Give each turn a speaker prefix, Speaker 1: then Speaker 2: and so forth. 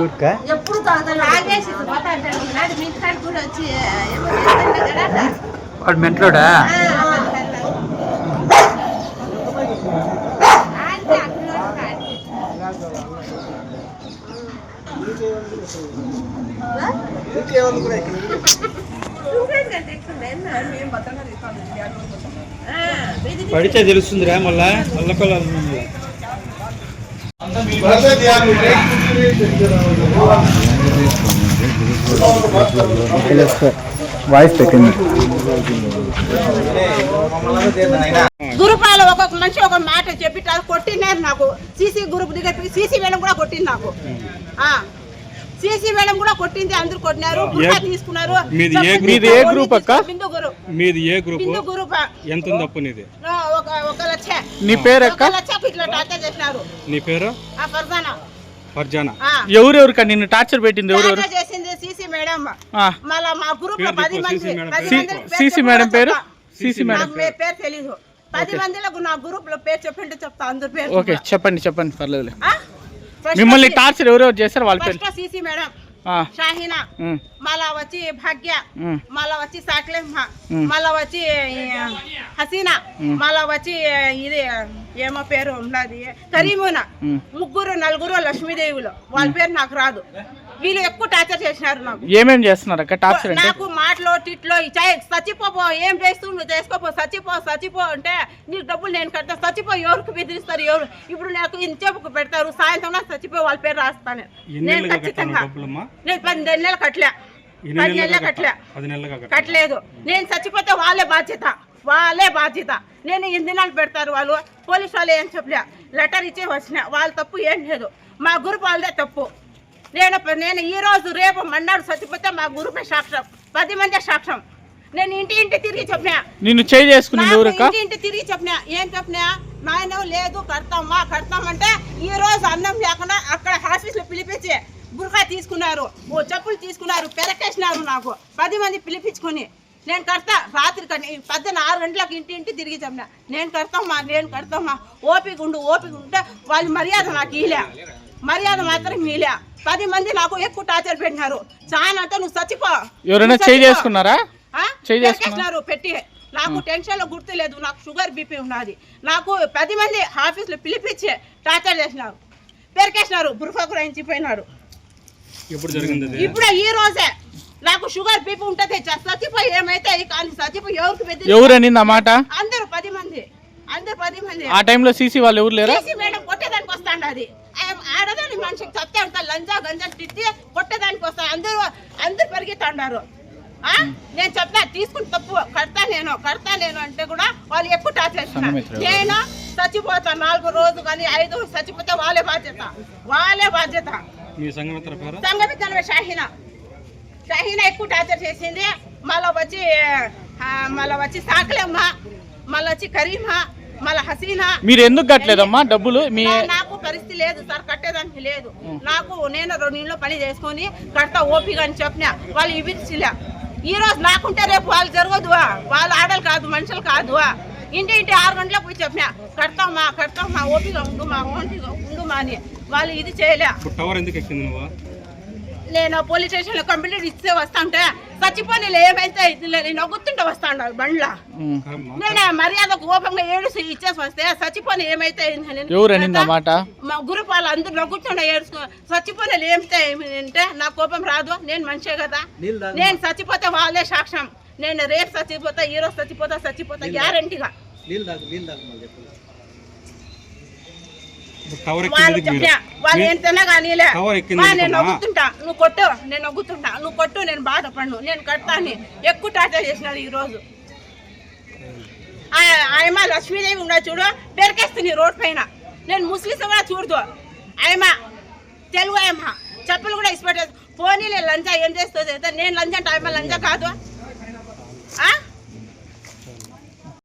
Speaker 1: ఎప్పుడు
Speaker 2: వాడు మెంట్లోడా పడితే తెలుస్తుందిరా మళ్ళా
Speaker 3: వాయిస్ పెట్టింది.
Speaker 1: గురుపాలు ఒక్కొక్క మనిషి ఒక మాట చెప్పి కొట్టినారు నాకు. సీసీ గ్రూప్ దగ్గర సీసీ మేడం కూడా కొట్టింది నాకు. సీసీ మేడం కూడా కొట్టింది. అందరూ కొట్టినారు, తీసుకున్నారు.
Speaker 2: మీది ఏ గ్రూప్ అక్క? బిందు గ్రూప్. ఎంత ఉంది అప్పు నీది?
Speaker 1: 1 లక్ష.
Speaker 2: నీ పేరు అక్క?
Speaker 1: 1 లక్ష ఇట్లా టార్చర్ చేసినారు.
Speaker 2: నీ పేరు? ఫర్జానా.
Speaker 3: ఎవరెవరు నిన్ను టార్చర్ పెట్టింది? ఎవరెవరు
Speaker 1: చేసింది? CC madam. మళ్ళా మా గ్రూప్ లో 10 మంది.
Speaker 3: సీసీ మేడం పేరు? సీసీ మేడం
Speaker 1: పేరు తెలీదు. 10 మందిలో నా గ్రూప్ లో పేరు చెప్పింటే చెప్తా. అందరు పేరు.
Speaker 3: ఓకే చెప్పండి పర్లేదు. మిమ్మల్ని టార్చర్ ఎవరెవరు చేస్తారు వాళ్ళ పేరు?
Speaker 1: సీసీ మేడం, షాహీనా, మళ్ళా వచ్చి భాగ్య, మళ్ళా వచ్చి సాక్లేమ్మ, మళ్ళా వచ్చి హసీనా, మళ్ళా వచ్చి ఇది ఏమో పేరు ఉన్నది కరీమునా. 3 4 లక్ష్మీదేవులు. వాళ్ళ పేరు నాకు రాదు. వీళ్ళు ఎక్కువ టార్చర్ చేసినారు నాకు.
Speaker 3: ఏమేం చేస్తున్నారు అక్క టార్చర్?
Speaker 1: నాకు మాటలో టిట్లో చచ్చిపో, ఏం చేస్తూ నువ్వు చేసుకోపో, చచ్చిపో అంటే నీకు డబ్బులు నేను కడతా. చచ్చిపో ఎవరికి బెదిరిస్తారు? ఎవరు ఇప్పుడు నాకు ఇంతసేపుకు పెడతారు. సాయంత్రం చచ్చిపో వాళ్ళ పేరు రాస్తాను నేను ఖచ్చితంగా. నేను 10 నెలలు కట్టలే. 10 నెలలు కట్టలేదు. నేను చచ్చిపోతే వాళ్ళే బాధ్యత. నేను 8 దినాలు పెడతారు వాళ్ళు. పోలీసు వాళ్ళు ఏం చెప్పలే. లెటర్ ఇచ్చి వచ్చిన. వాళ్ళ తప్పు ఏం లేదు. మా గ్రూప్ వాళ్ళదే తప్పు. నేను ఈ రోజు రేపు మన్నాడు చచ్చిపోతే మా గ్రూపే సాక్ష్యం. 10 మంది సాక్ష్యం. నేను ఇంటి తిరిగి చెప్పినా.
Speaker 3: నిన్ను చేయి చేసుకుని
Speaker 1: ఇంటి తిరిగి చెప్పినా. ఏం చెప్పినా? నాయన లేదు కడతామంటే ఈ రోజు అన్నం లేకుండా అక్కడ ఆఫీస్లో పిలిపించి బుర్కా తీసుకున్నారు, చెప్పులు తీసుకున్నారు, పెరకేసినారు. నాకు 10 మంది పిలిపించుకొని నేను కడతా. రాత్రి 6 గంటలకు ఇంటి తిరిగి చెప్పినా. నేను కడతామా ఓపిక ఉంటే వాళ్ళ మర్యాద నాకు ఇలే. మర్యాద మాత్రం మీలే. 10 మంది నాకు ఎక్కువ టార్చర్ పెట్టినారు. చాలా అంటే నువ్వు చచ్చిపో.
Speaker 3: ఎవరైనా చేసుకున్నారా?
Speaker 1: పెట్టి నాకు టెన్షన్ లో గుర్తు లేదు. నాకు షుగర్ బీపీ ఉన్నది. నాకు 10 మంది ఆఫీసులో పిలిపించి టార్చర్ చేసినారు, పెరికేసినారు, బుర్ఫా కూడా ఎంచిపోయినారు. ఇప్పుడు ఈ రోజే నాకు షుగర్ బీపీ ఉంటది. చచ్చిపోయి ఏమైతే కానీ చచ్చిపోయి
Speaker 3: ఎవరని మాట?
Speaker 1: అందరూ 10 మంది.
Speaker 3: ఆ టైంలో సీసీ వాళ్ళు ఎవరు లేరు?
Speaker 1: సీసీ మేడం కొట్టేదానికి వస్తాండి. అది ఆడదాని మనిషికి చెప్తే అంతా లంజా గంజాలు తిట్టి కొట్టేదానికి వస్తాను. అందరూ పరిగెత్తాడారు. నేను చెప్పినా తీసుకుని తప్పు కడతా నేను అంటే కూడా వాళ్ళు ఎక్కువ టార్చర్ చేస్తున్నారు. నేను చచ్చిపోతా 4 రోజు కానీ 5 చచ్చిపోతే వాళ్ళే బాధ్యత. సంఘమిత్రమే షాహీనా ఎక్కువ టార్చర్ చేసింది. మళ్ళా వచ్చి సాకలమ్మ, మళ్ళీ వచ్చి కరీమా, మళ్ళీ హసీనా.
Speaker 3: మీరు ఎందుకు కట్టలేదమ్మా డబ్బులు?
Speaker 1: నాకు పరిస్థితి లేదు సార్, కట్టేదానికి లేదు. నేను 2 నెలలు పని చేసుకొని కడతా ఓపిక అని చెప్పినా. వాళ్ళు ఇవ్వలే. ఈ రోజు నాకుంటే రేపు వాళ్ళు జరగదు. వాళ్ళు ఆడలు కాదు, మనుషులు కాదు. ఇంటి 6 గంటలకు పోయి చెప్పినా కడతామా ఓపిక ఉండుమా అని. వాళ్ళు ఇది చేయలే. నేను పోలీస్ స్టేషన్ లో కంప్లైంట్ ఇస్తే వస్తాంటే చచ్చిపోయి ఏమైతే నవ్వుతుంటే వస్తాను బండ్లా. నేను మర్యాద కోపంగా ఇచ్చేసి వస్తే చచ్చిపోయి ఏమైతే మా గ్రూప్ వాళ్ళు అందరూ నవ్వుతుండే చచ్చిపోయి ఏమితే అంటే నా కోపం రాదు. నేను మనిషే కదా. నేను చచ్చిపోతే వాళ్ళే సాక్ష్యం. నేను రేపు చచ్చిపోతా, ఈ రోజు చచ్చిపోతా గ్యారంటీగా. వాళ్ళు ఎంతైనా కానీ నేను నవ్వుతుంటా. నువ్వు కొట్టు, నేను బాధపడను, నేను కడతాను. ఎక్కువ టార్చర్ చేసినారు ఈ రోజు. ఆయమ లక్ష్మీదేవి ఉన్నా చూడు, పెరికేస్తుంది రోడ్ పైన. నేను ముస్లిమ్స్ కూడా చూడదు. ఆయమ తెలుగు ఆయమ చెప్పులు కూడా ఇష్టపడేది. పోనీ లంచా ఏం చేస్తుంది? నేను లంచా అంటే ఆయమ లంచా కాదు.